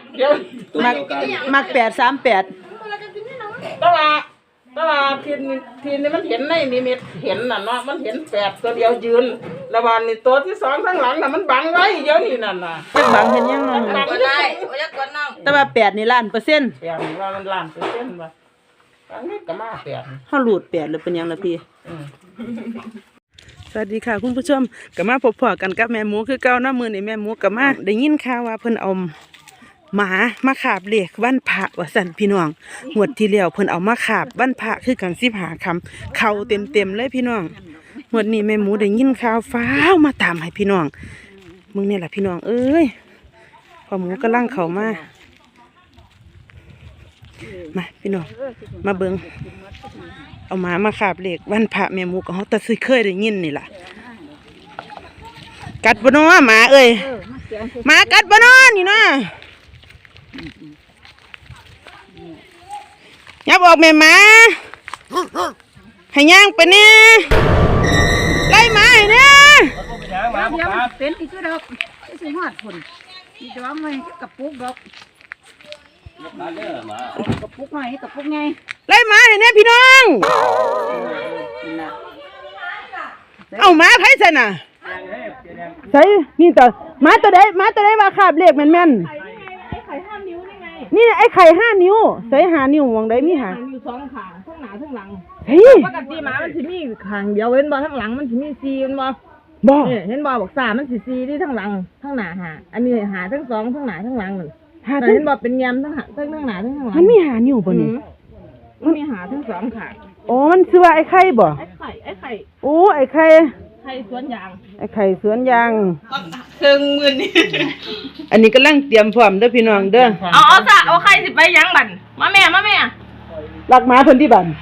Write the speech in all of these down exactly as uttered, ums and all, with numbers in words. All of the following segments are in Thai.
เดี๋ยวมักมักแปดสามแปดตลาดตลาดทีนทีนี่มันเห็นในนิมิตเห็นน่ะเนาะมันเห็นแปดตัวเดียวยืนระหว่างนี่ตัวที่สองข้างหลังน่ะมันบังไว้เดี๋ยวนี้นั่นน่ะจักบังเห็นยังน้องก็ได้ว่าจะกดน้องแต่ว่าแปดนี่ล้านเปอร์เซ็นต์แปดนี่ว่ามันล้านเปอร์เซ็นต์ว่าอันนี้ก็มาแปดเฮาหลุดแปดหรือเป็นยังล่ะพี่สวัสดีค่ะคุณผู้ชมก็มาพบๆกันกับแม่หมูคือเก่านะมื้อนี้แม่หมูก็มาได้ยินข่าวว่าเพิ่นเอาหมามาขาบเลขวันพระว่าสั่นพี่น้องงวดที่แล้วเพิ่นเอามาขาบวันพระคือกันสิบห้าคำเข้าเต็มๆเลยพี่น้องงวดนี้แม่หมูได้ยินข่าวฟ้าวมาตามให้พี่น้องมึงนี่แหละพี่น้องเอ้ยพ่อหมูกำลังเข้ามามาพี่น้องมาเบิ่งเอาหมามาขาบเลขวันพระแม่หมูก็เฮาตะซึเคยได้ยินนี่ล่ะกัดบ่น้อหมาเอ้ยหมากัดบ่น้อนี่เนาะยับออกแม่หมาให้ย่างไปเนี่ยไล่หมาให้เนี่ยเป็นอีกคือดอกที่สิฮอดพุ่นมีดอกไม้กับปุกดอกกับปุกหน่อยกับปุกไงไล่หมาให้เนี่ยพี่น้องเอาหมาไผซะน่ะใส่นี่ตัวหมาตัวใดหมาตัวใดว่าคาบเลขแม่นนี่ไอ้ไข่ห้านิ้วใส่หานิ้วมองได้มีหาอยู่สองขางทั้งหน้าทั้งหลังเฮ้ยปกติหมามันสิมีขางเดียวเว้นบ่ทั้งหลังมันสิมีสี่เห็นบ่บ่เห็นบ่บอกสามมันสิสี่ที่ทั้งหลังทั้งหน้าหาอันนี้หาทั้งสองทั้งหน้าทั้งหลังนั่นหาเห็นบ่เป็นยำทั้งหาทั้งทั้งหน้าทั้งหลังมันมีหานิ้วบ่นี่มันมีหาทั้งสองขางโอ้มันชื่อว่าไอ้ไข่บ่ไอ้ไข่ไอ้ไข่โอ้ไอ้ไข่ไข่สวนยางไอ้ไข่สวนยางเครื่องมือนี่อันนี้กำลังเตรียมพร้อมเด้อพี่น้องเด้อเอาเอาซะเอาไข่สิไปยังบั่นมาแม่มาแม่ลักหมาเพิ่นที่บั่น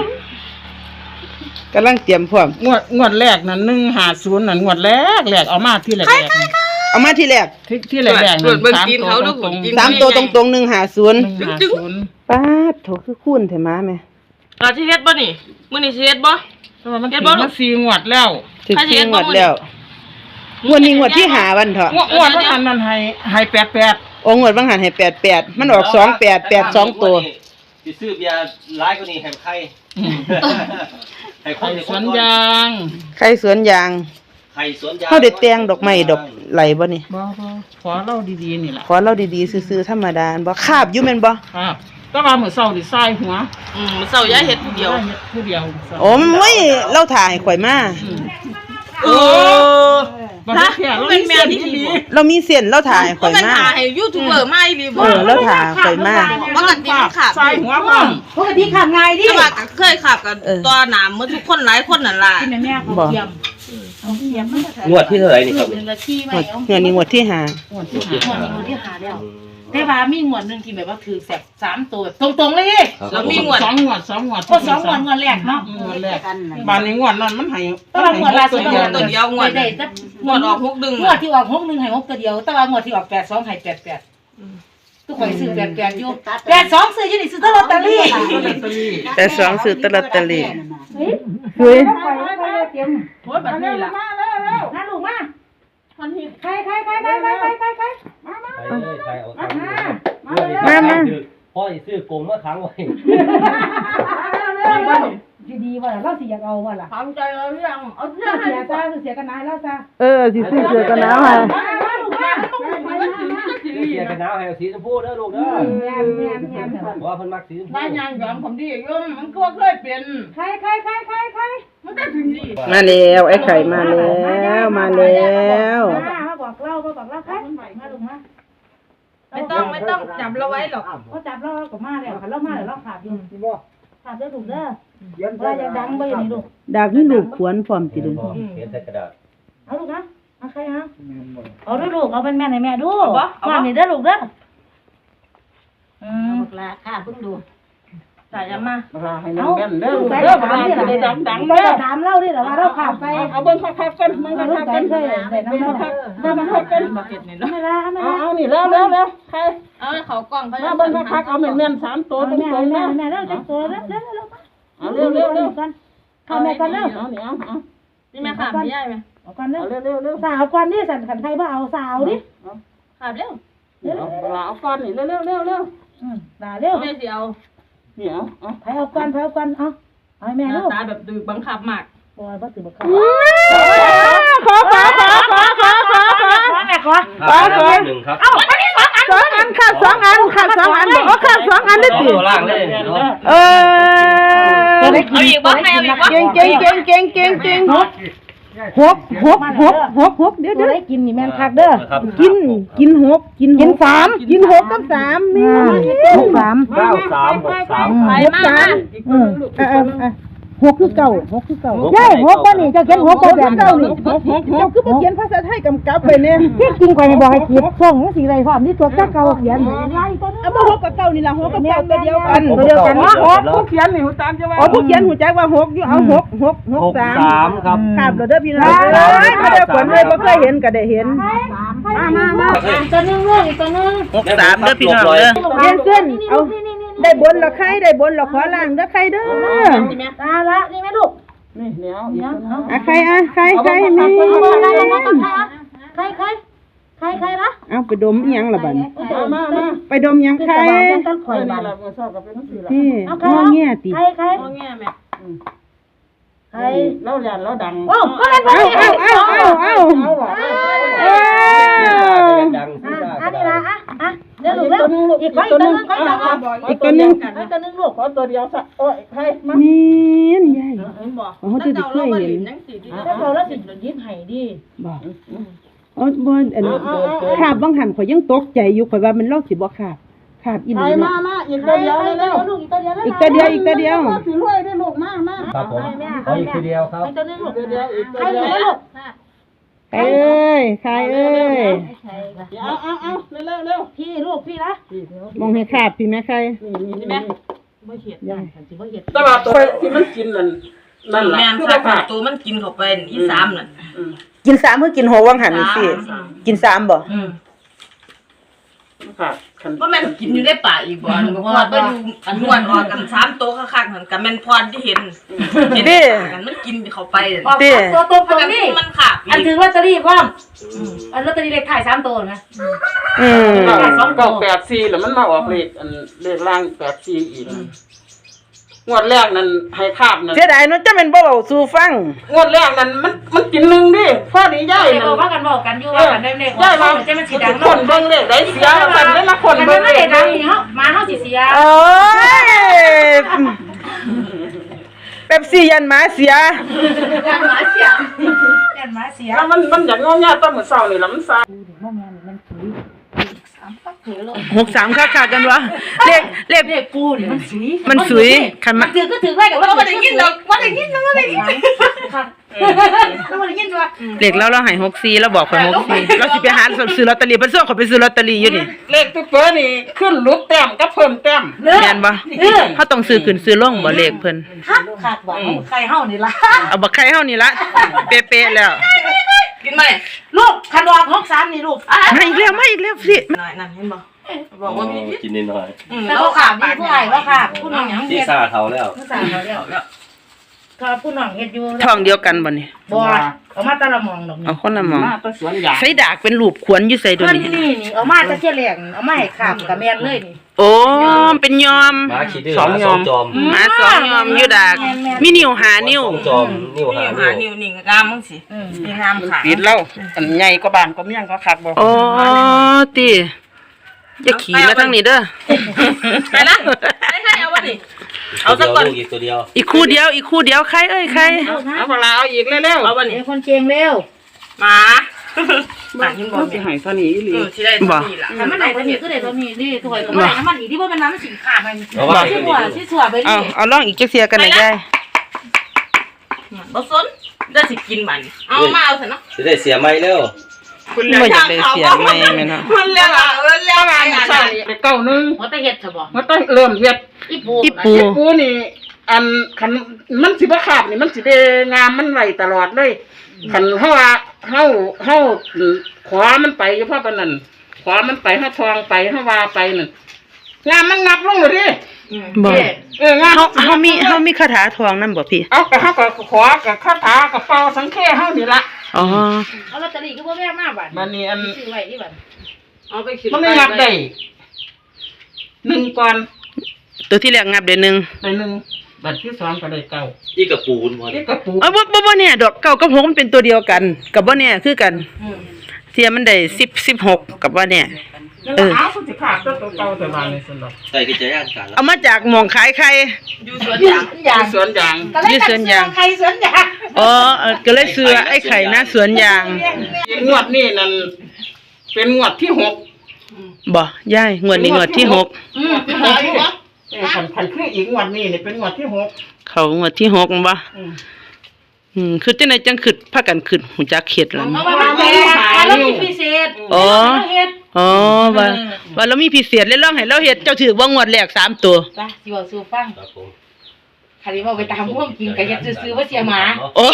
กำลังเตรียมพร้อมงวดงวดแรกนั่นหนึ่งห้าศูนย์นั่นงวดแรกแรกเอามาที่แรกเอามาที่แรกที่ที่แรกแรกนั่นสามตัวตรงๆสามตัวตรงๆหนึ่งห้าศูนย์ป๊าดโถคือคูณเถอะมาแม่อ่าสิเฮ็ดบ่นี่มื้อนี้สิเฮ็ดบ่มันถึงมาสี่งวดแล้วถึงสี่งวดแล้วงวดนี้งวดที่หาวันเถอะงวดบางหันนั่นให้ให้แปดแปดโอ้งวดบางหันให้แปดแปดมันออกสองแปดแปดสองตัวสิซื้อเบียร์ร้ายกว่านี้ให้ใครให้คนสวนยางใครสวนยางใครสวนยางเขาได้แต่งดอกไม้ดอกไหลบ่นี่บ่ขอเล่าดีๆนี่ล่ะขอเล่าดีๆซื่อๆธรรมดาบ่คาบอยู่แม่นบ่ครับก็ว่ามื้อเช้านี่ทรายหัวอืมมื้อเช้ายายเฮ็ดผู้เดียวผู้เดียวโอ้ไม่เล่าถ่ายข่อยมาเออบ่ได้แค่เราเป็นแม่ที่ดีเรามีเส้นเล่าถ่ายข่อยมาก็เป็นถ่ายให้ยูทูบเบอร์มาอีหลีบ่เออเล่าถ่ายข่อยมาปกติมันขับทรายหัวพร้อมปกติขับง่ายดิแต่ว่าก็เคยขับกันตัวหนามมื้อทุกคนหลายคนนั่นล่ะที่แม่ๆเขาเยี่ยมงวดที่เท่าไหร่นี่ครับงวดนี้งวดที่ห้างวดที่ห้างวดที่ห้าแล้วแต่ว่ามีงวดนึงที่แบบว่าถือแสบสามตัวตรงๆเลยแล้วมีงวดสองงวดสองงวดก็สองงวดงวดแรกเนาะงวดแรกบานนี้งวดนั้นมันให้แต่ว่างวดล่าสุดตัวเดียวงวดได้งวดออกหกดึงงวดที่ออกหกดึงให้หกตัวเดียวแต่ว่างวดที่ออกแปดสองให้แปดแปดทุกคนซื้อแปดแปดอยู่แปดสองซื้อยี่นี่ซื้อตลอดตะลี่แปดสองซื้อตลอดตะลี่เฮ้ยโอ้ยแบบนี้ล่ะน่าลูกมาคนหิใครใครใครใครใครใครใครใครมามาใครเลยใครเอามามามาพ่อจะซื้อกงมาขังไว้ดีดีว่าเราสิอยากเอาว่าล่ะทำใจเอาเรื่องเอาเรื่องเสียซะเสียกันนายแล้วซะเออสิซื้อเสือกันหนาวให้เสียกันหนาวให้สีชมพูเด้อลูกเด้อแม่แม่แม่ว่าเพิ่นมักสีชมพูได้ยางยอมผมดีอยู่มันก็เคยเป็นใครใครใครใครใครมันได้ถึงดีมาแล้วไอ้ไข่มาแล้วมาแล้วมาบอกเล่ามาบอกเล่าใครมาลูกมาไม่ต้องไม่ต้องจับเราไว้หรอกเขาจับเราก็มาแล้วค่ะเรามาแล้วเราขาดอยู่ขาดได้ถูกเด้อว่าจะดังไปอย่างนี้ลูกดักนี่ลูกขวนพร้อมติดึงเขียนใส่กระดาษเอาลูกนะเอาใครฮะเอาด้วยลูกเอาเป็นแม่ให้แม่ดูมาหนีเด้อลูกเด้ออืมบอกลาข้าเพิ่งดูใส่ยังมาลาให้น้องแม่เด้อเด้อมาเด้อดังดังเด้อถามเล่าดิเหรอว่าเราขาดไปเอาเบิ้งคักๆกันเบิ้งคักๆกันใส่ใส่น้ำมันใส่น้ำมันกันมาเก็บนี่เนาะไม่ละไม่ละเอานี่แล้วแล้วแล้วใครเอาเขากล้องไปมาเบิ้งคักๆเอาแม่นๆสามตัวตรงๆนะแม่แล้วจังตัวแล้วแล้วแล้วเอาเร็วเร็วเร็วกันข้าแม่กันเร็วเอาเนี่ยเอานี่แม่ขาดไม่ได้ไหมเอากันเร็วเร็วเร็วเร็วสาวกันนี่สั่นขันใครบ้าเอาสาวดิขาดเร็วลาเอาก้อนนี่เร็วเร็วเร็วเร็วอืมตาเร็วแม่สิเอาเดี๋ยวเอาไปเอาก่อนไปเอาก่อนเอาเอาให้แม่หลูน้าก ตาแบบดื้อบังคับมากปล่อยบ่ถือบ่เข้าขอขอขอขอขอขอขอขอแม่ขอครับหนึ่งครับสองอันขาดสองอันขาดสองอันบอกว่าขาดสองอันได้สองติตัวล่างเลยเนาะเออเอาอีกบ่ให้เอาอีกบ่เก่งเก่งเก่งเก่งเก่งเก่งหกหกหกหกหกหกเดี๋ยวตัวเดี๋ยวได้กินนี่แม่นคักเด้อครับกินกินหกกินกินสามกินหกกับสามแม่หกสามเก้าสามหกสามไปมากอืมเออเออเออหกคือเก่าหกคือเก่าใช่หกบ่นี่เจ้าเขียนหกบ่แบบเก่านี่หกหกเจ้าคือบ่เขียนภาษาไทยกำกับไปเนี่ยเฮ็ดจริงข่อยไม่บอกให้คิดช่องจังซี่เลยพร้อมนี่ตัวเจ้าเก่าเขียนไล่ตัวนึงเอาบ่หกกับเก่านี่ล่ะหกกับเก่าตัวเดียวกันตัวเดียวกันเนาะหกผู้เขียนนี่หูตามจะว่าอ๋อผู้เขียนหูจักว่าหกอยู่เอาหกหกหกหกสามสามครับครับเราเด้อพี่น้องเอ้ยมาเด้อฝนเลยบ่เคยเห็นก็ได้เห็นมามามาตัวนึงลูกอีกตัวนึงหกสามเด้อพี่น้องเด้อเรียนเส้นเอาได้บนละใครได้บนละขอล่างเด้อใครเด้อตาละนี่แม่ลูกนี่เดี๋ยวอีกอ่ะใครอ่ะใครใครแม่ใครใครใครใครนะเอาไปดมอีหยังล่ะบัดมามามาไปดมหยังใครต้นข่อยนี่บ้านเราชอบกับเป็นนักสื่อละนี่งอแง่ติใครใครเอาแง่แม่ใครเราหยันเราดังโอ้ก็เลยเอาเอาเอาเอาเอาเอาว่ะเออดังซื้อได้อันก็นี้ได้ละอ่ะอ่ะเดี๋ยวลูกแล้วอีกคนอีกตัวนึงก็จะอีกตัวหนึงอีกตัวนึงลูกขอตัวเดียวสักโอ้ยใครมานี่นยายเห็นบ่อ๋อเขาจะได้เคยเห็นจังสิดิถ้าเราแล้วสิยิ้มให้ดีบ่อ๋อบ่อันนี้ขาบบางหันข่อยยังตกใจอยู่ข่อยว่ามันเล่าสิบ่ขาบขาบอีหใครลีมาเนาะมาอีกตัวเดียวเร็วลูกอีกตัวเดียวอีกตัวเดียวอีกตัวเดียวถือรวยได้ลูกมากมากครับผมขออีกทีเดียวครับอีกตัวนึงลูกตัวเดียวอีกตัวใครเดียวเหลือลูกใครเอ้ยใครเอ้ยเอาเอาเอาเร็วเร็วเร็วพี่ลูกพี่ละมองให้ขาบพี่แม่ใครนี่นี่นี่บ่เห็ดยังสิบ่เห็ดตลาดตัวที่มันกินนั่นนั่นแหละแม่นคือซาว่าตัวมันกินเข้าไปอีสามนั่นกินสามเพื่อกินหกวังหันนี่สิกินสามบ่อืมค่ะคันบ่แม่นกินอยู่ในป่าอีกบ่เพราะว่าไปดูอันนวดออกกันสามตัวคักๆนั่นก็แม่นพรที่เห็นเห็นกันมันกินเข้าไปติตัวตัวมันตัวก็นี่มันขาดอันถือลอตเตอรี่พร้อมอันลอตเตอรี่เลขถ่ายสามตัวนะอืมสองเก้าแปดสี่แล้วมันมาออกเลขอันเลขล่างแปดสี่อีกงวดแรกนั้นให้คาบนั่นเสียดายเนาะจะเป็นบ่เว้าสู่ฟังงวดแรกนั้นมันมันกินหนึ่งดิพ่อดีย่ายเดี๋ยวนั่บอกนว่ากันบอกกันอยู่ว่ากันได้เลขย่ายมาจะมันสีดังคนเบิ่งเลขได้เสียกันเลยละคนมันเบิ่งไม่เลได้ขดังนี่เฮามาเฮาสิเสียโอ้ยเป๊ปซี่ยันหมาเสียกันมาเสียกันมาเสียแล้วมันมันอย่างงอแงตอนมื้อเช้านี่ล่ะมันซ่าหกสามค่าขากันวะเลขเลขเลขกูนี่มันสุยมันสวยคันมาถือก็ถือไว้กับว่าบ่ได้ยินดอกบ่ได้ยินบ่ได้ยินแล้วบ่ได้ยินว่าเลขแล้วเราให้หกสี่แล้วบอกข่อยหกสี่เราสิไปหาซื้อลอตเตอรี่เพิ่นส่งข่อยไปซื้อลอตเตอรี่อยู่นี่เลขตุ๊กเปิ้นี่ขึ้นลดแต้มกับเพิ่มแต้มแม่นบ่เฮาต้องซื้อขึ้นซื้อลงบ่เลขเพิ่นคักขาดหวังใครเฮานี่ล่ะเอาบักไข่เฮานี่ละเป๊ะๆแล้วกินไหมลูกคันดอกหกสามนี่ลูกมาอีกแล้วมาอีกแล้วสิหน่อยนั่นเห็นบ่บอกว่ามีกินนิดหน่อยแต่บ่ขาดนี่ผู้ใหญ่บ่ขาดผู้น้องหยังที่เฮ็ดซาเท่าแล้วผู้สาวเขาแล้วก็ผู้น้องเฮ็ดอยู่ท้องเดียวกันบ่นี่บ่เอามาตะละมองดอกเอาคนละหมองมาแตะสวนยางใส่ดากเป็นรูปขวนอยู่ใส่ตัวเพิ่นนี้นี่นี่เอามาจะเที่ยแหลงเอามาให้ขาบกับแม่นเลยนี่โอ้เป็นยอมหมาขี้ดื้อหมาสองจอมหมาสองยอมอยู่ดากมีนิ้วหานิ้วสองจอมนิ้วนี่หาหานิ้นิ้ววนี่งามมึงสิอืมนี่งามขาปิดแล้วอันใหญ่กว่าบ้านก็เมี่ยงก็คักบ่โอ้ติอย่าขี่มาทางนี้เด้อไปละให้ให้เอาวะนี่เอาเอาสัสักกก่อนอีกตัวเดียวอีกคู่เดียวอีกคู่เดียวใครเอ้ยใครเอาเวลาเอาอีกเร็วๆเอาวะเดี๋นี่ยวคนเก่งเร็วหมาหมาเห็นบ่มันสิให้เท่านี้อีหลีเออที่ได้ตัวนี้ล่ะถ้ามันไหนตัวนี้ก็ได้ตัวนี้นี่ถอยก็บ่ได้น้ำมันอีกที่บ่แม่นน้ำมันสิขาดมันเอาไว้สิตัวหัวนี้สิสัวไปเอานี่เอาลองอีกจักเสียกันหน่อยยายบ่สนได้สิกินมันเอามาเอาซะเนาะจะได้เสียไหมเร็วบ่อยากได้เสียไหมแม่นเนาะมันแล้วอ่ะเออแล้วอ่ะใช่เก้าหนึงหัวตะเฮ็ดซะบ่มันต้องเริ่มเฮ็ดอีปูอีปูกูนี่อันคันมันสิบ่ขาดนี่มันสิได้งามมันไว้ตลอดเลยคันเฮาว่าเฮาเฮาขวามันไปอยู่เพราะปานนั้นขวามันไปเฮาทองไปเฮาว่าไปนั่นงามมันงับลงเลยดิบ่เอองามเฮาเฮามีเฮามีคาถาทองนำบ่พี่เอาก็เฮาก็ขวากับคาถากับเป่าสังเกตเฮานี่ล่ะอ๋อเอาลอตเตอรี่ก็บ่แม่มาบัดมันนี่อันซื้อไว้ที่บัดเอาไปขึ้นมันไม่งับได้หนึ่งก่อนตัวที่แรกงับได้หนึ่งได้หนึ่งบัดที่สองก็ได้เก้านี่กับปูนพอนี่กระปูเออบ่บ่บ่เนี่ยดอกเก้ากับหกมันเป็นตัวเดียวกันกับบ่เนี่ยคือกันเทียมันได้สิบ สิบหกกับบ่เนี่ยนั่นเออละเอาคุณสิขาดตัวเก่าแต่บ้านนี่สนอกใส่กิจย่างกันแล้วเอามาจากหม่องขายไข่อยู่สวนยางอย่างสวนยางก็เลยตัดเสื้อใครสวนยางอ๋อเออก็เลยซื้อไอ้ไข่หน้าสวนยางงวดนี่นั่นเป็นงวดที่หกบ่ยายงวดนี้งวดที่หกอืมเป็นงวดที่หกเออขันขันคืออีกงวดนี้นี่เป็นงวดที่หกเขางวดที่หกบ่อืมอืมคือจังไดจังขึ้นพากันขึ้นหูจักเข็ดแล้วเอามาแปลแล้วมีพิเศษอ๋อเฮ็ดอ๋อว่าว่าเรามีพิเศษเลยลองให้เราเฮ็ดเจ้าถือว่างวดแรกสามตัวจ้ะสิว่าสู่ฟังครับผมคันนี้ว่าไปตามห่วงกินก็เฮ็ดซื่อๆว่าเสียหมาโอ้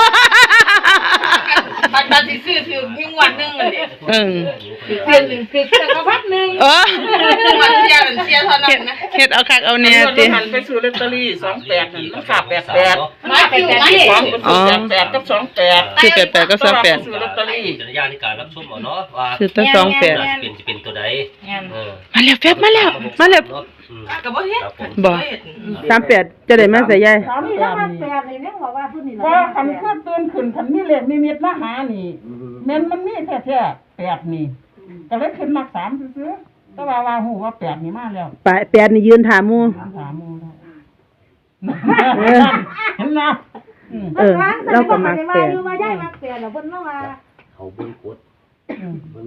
ตัดตัดสิซื้อถือมีงวดหนึงเลยเออคือเดือนหนึงคือเดือนละพันหนึงเอองวดเสียเหมือนเสียเท่านั้เฮ็ดนนะเฮ็ดเอาคักเอาอันแน่นี้ติหันไปซื้อลอตเตอรี่สองแปดนั่นมันขาดแปดแปดมาเป็นแบบนี้สองเป็นซื้อแปดแปดกับสองแปดคือแปดแปดก็สองแปดซื้อลอตเตอรี่กิจย่างในการรับชมเอาเนาะว่าคือตั้งสองแปดจะเป็นจะเป็นตัวใดงั้นเออมาแล้วแฟบมาแล้วมาแล้วอืมก็บ่เฮ็ดครับผมบ่เฮ็ดสามแปดจะได้มาใส่ยายสามนี่แปแล้วดมานี่แปดนี่แม่งบอกว่าพุ่นนี่พอขันขึ้นตื่นขึ้นขันมีเหล็กมีเม็ดมาหานี่แม่นมันมีแท้แท้แปดนี่ก็เลยขึ้นมาสามซื้อๆแต่ว่าว่าหูว่าแปดนี่มาแล้วปแปดนี่ยืนถามหมู่สามสามโมงแล้วเออเห็นนะอืมเออเราก็มักแปดอยู่มาย้ายมักแปดแล้วเพิ่นมาว่าเขาเบิ้งกดอืม